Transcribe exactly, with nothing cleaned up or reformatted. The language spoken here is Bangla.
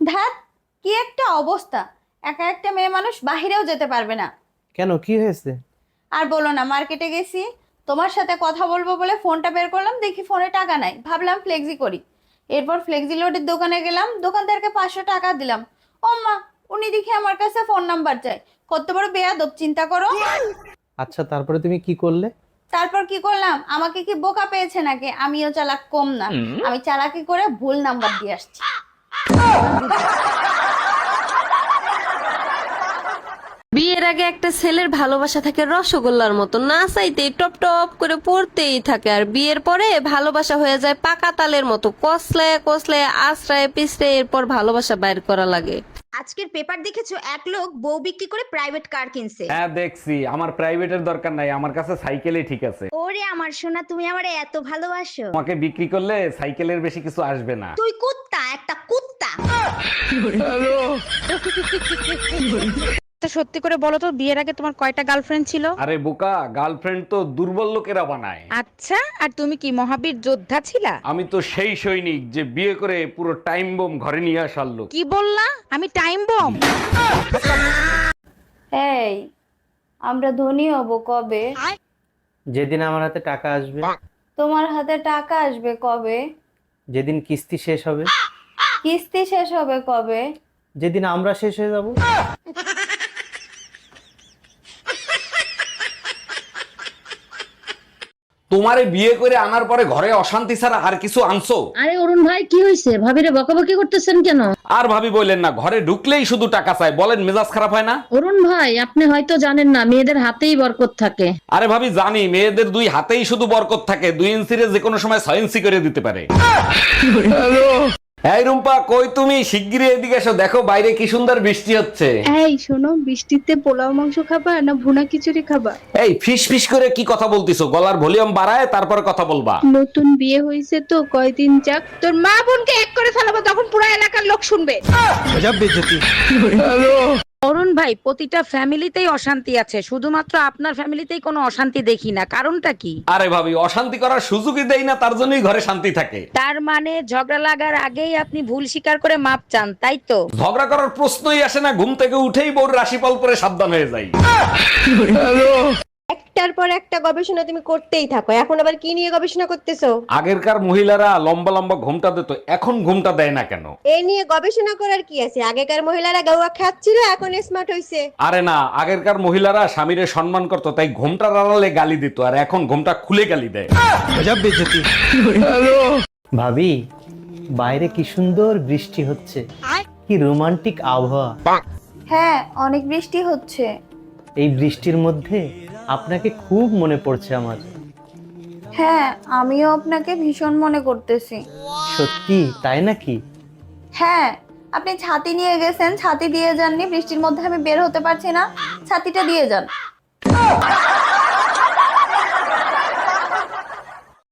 ধ্যাত, কি একটা অবস্থা! একা একটা মেয়ে মানুষ বাহিরেও যেতে পারবে না। কেন, কি হয়েছে? আর বলো না, মার্কেটে গেছি, তোমার সাথে কথা বলবো বলে ফোনটা বের করলাম, দেখি ফোনে টাকা নাই, ভাবলাম ফ্লেক্সি করি। এরপর ফ্লেক্সি লোডের দোকানে গেলাম, দোকানদারকে পাঁচশো টাকা দিলাম। ও মা, উনি দেখি আমার কাছে ফোন নাম্বার চাই। কত বড় বেয়াদব, চিন্তা করো। আচ্ছা, তারপরে তুমি কি করলে? তারপর কি করলাম? আমাকে কি বোকা পেয়েছে নাকি? আমিও চালাক কম না, আমি চালাকি করে ভুল নাম্বার দিয়ে আসছি। বিয়ের আগে একটা ছেলের ভালোবাসা থাকে রসগোল্লার মতো, না চাইতেই টপ টপ করে পড়তেই থাকে, আর বিয়ের পরে ভালোবাসা হয়ে যায় পাকা তালের মতো, কসলায় কসলায় আশ্রয় পিছড়ে এরপর ভালোবাসা বাইর করা লাগে। আজকের পেপার দেখেছো, এক লোক বউ বিক্রি করে প্রাইভেট কার কিনছে। হ্যাঁ দেখছি, আমার প্রাইভেটের দরকার নাই, আমার কাছে সাইকেলই ঠিক আছে। ওরে আমার সোনা, তুমি আমারে এত ভালোবাসো। তোমাকে বিক্রি করলে সাইকেলের বেশি কিছু আসবে না। তুই কুত্তা, একটা কুত্তা। সত্যি করে বলো তো, বিয়ের আগে তোমার কয়টা গার্লফ্রেন্ড ছিল? আরে বোকা, গার্লফ্রেন্ড তো দুর্বল লোকেরা বানায়। আচ্ছা, আর তুমি কি মহাবীর যোদ্ধা ছিলা? আমি তো সেই সৈনিক যে বিয়ে করে পুরো টাইম বোম ঘরে নিয়ে আসার লোক। কি বললা? আমি টাইম বম? এই, আমরা ধনী হব কবে? যেদিন আমার হাতে টাকা আসবে। তোমার হাতে টাকা আসবে কবে? যেদিন কিস্তি শেষ হবে। কিস্তি শেষ হবে কবে? যেদিন আমরা শেষ হয়ে যাব। তোমারে বিয়ে করে আনার পরে ঘরে অশান্তি ছাড়া আর কিছু আনছো? আরে অরুণ ভাই, কি হয়েছে? ভাবিরে বকাবকি করতেছেন কেন? আর ভাবি বললেন না, ঘরে ঢুকলেই শুধু টাকা চাই, বলেন মেজাজ খারাপ হয় না? অরুণ ভাই, আপনি হয়তো জানেন না, মেয়েদের হাতেই বরকত থাকে। আরে ভাবি জানি, মেয়েদের দুই হাতেই শুধু বরকত থাকে, দুই ইঞ্চিরে যে কোনো সময় ছয় ইঞ্চি করে দিতে পারে। এই রুম্পা, কই তুমি? শিগগিরই এদিকে এসো, দেখো বাইরে কি সুন্দর বৃষ্টি হচ্ছে। এই শোনো, বৃষ্টিতে পোলাও মাংস খাবা না ভুনা খিচুড়ি খাবা? এই ফিস ফিস করে কি কথা বলতিছো? গলার ভলিউম বাড়ায় তারপরে কথা বলবা। নতুন বিয়ে হয়েছে তো, কয়দিন যাক। তোর মা বোনকে এক করে ফেলাবো, তখন পুরো এলাকার লোক শুনবে। অরুণ ভাই, প্রতিটা ফ্যামিলিতেই অশান্তি আছে, শুধুমাত্র আপনার ফ্যামিলিতেই কোনো অশান্তি দেখি না, কারণটা কি? আরে ভাবি, অশান্তি করার সুযোগই দেই না, তার জন্যই ঘরে শান্তি থাকে। তার মানে ঝগড়া লাগার আগেই আপনি ভুল স্বীকার করে মাপ চান, তাই তো? ঝগড়া করার প্রশ্নই আসে না, ঘুম থেকে উঠেই বউর রাশিফল পরে সাবধান হয়ে যাই। একটার পর একটা গবেষণা তুমি করতেই থাকো, এখন আবার কি নিয়ে গবেষণা করতেছো? আগেরকার মহিলারা লম্বা লম্বা ঘুমটা দিত, এখন ঘুমটা দেয় না কেন? এ নিয়ে গবেষণা করার কি আছে? আগেকার মহিলারা গাওয়া খাচ্ছিল, এখন স্মার্ট হইছে। আরে না, আগেরকার মহিলারা স্বামীরে সম্মান করতো, তাই ঘুমটার আড়ালে গালি দিত, আর এখন ঘুমটা খুলে গালি দেয়। ভাবি, বাইরে কি সুন্দর বৃষ্টি হচ্ছে, কি রোমান্টিক আবহাওয়া। হ্যাঁ, অনেক বৃষ্টি হচ্ছে। এই বৃষ্টির মধ্যে আপনাকে খুব মনে পড়ছে আমার। হ্যাঁ, আমিও আপনাকে ভীষণ মনে করতেছি। সত্যি তাই নাকি? হ্যাঁ, আপনি ছাতি নিয়ে গেছেন, ছাতি দিয়ে যাননি, বৃষ্টির মধ্যে আমি বের হতে পারছি না, ছাতিটা দিয়ে যান।